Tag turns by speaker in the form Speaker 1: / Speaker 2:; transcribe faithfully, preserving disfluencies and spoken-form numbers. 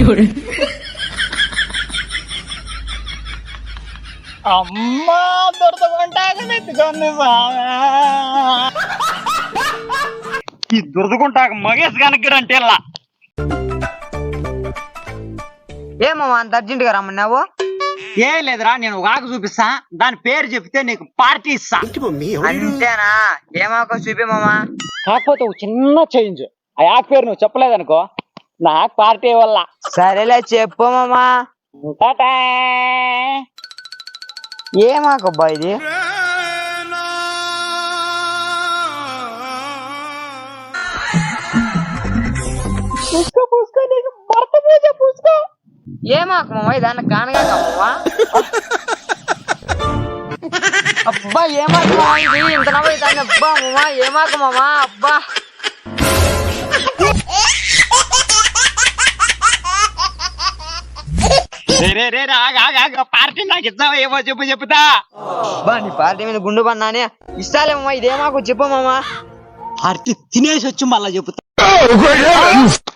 Speaker 1: అమ్మా దొరదగుంటాగనెత్తుకొని ఈ దురదగుంటాక మగేష్ కనుక్కడంటే ఇలా
Speaker 2: ఏమమ్మా అంత అర్జెంట్ గా రమ్మన్నావు?
Speaker 1: ఏం లేదురా, నేను ఒక ఆకు చూపిస్తా, దాని పేరు చెప్తే నీకు పార్టీ ఇస్తా.
Speaker 2: అంతేనా? ఏమాకో చూపిమమ్మా.
Speaker 1: కాకపోతే ఒక చిన్న చేంజ్, ఆ ఆకు పేరు నువ్వు చెప్పలేదనుకో నాకు పార్టీ వల్ల.
Speaker 2: సరేలే చెప్పమమ్మా. ఏమాకబ్బా ఇది?
Speaker 1: పూసుకో పూసుకో, నీకు భర్త పూజ పూసుకో.
Speaker 2: ఏమాకమ్మా దాన్ని కానగాకమ్మా? అబ్బా ఏమాకమ్మా ఇది? ఇంత నవ్వుతాను. అబ్బా అమ్మా ఏమాకమ్మా? అబ్బా
Speaker 1: పార్టీ నాకు ఇస్తావా? ఏమో చెప్పు చెప్పుతా.
Speaker 2: బా నీ పార్టీ మీద గుండు పన్నానే ఇస్తాలేమమ్మా. ఇదేమాకు చెప్పమ్మా.
Speaker 1: పార్టీ తినేసి వచ్చి మళ్ళా చెప్పుతా.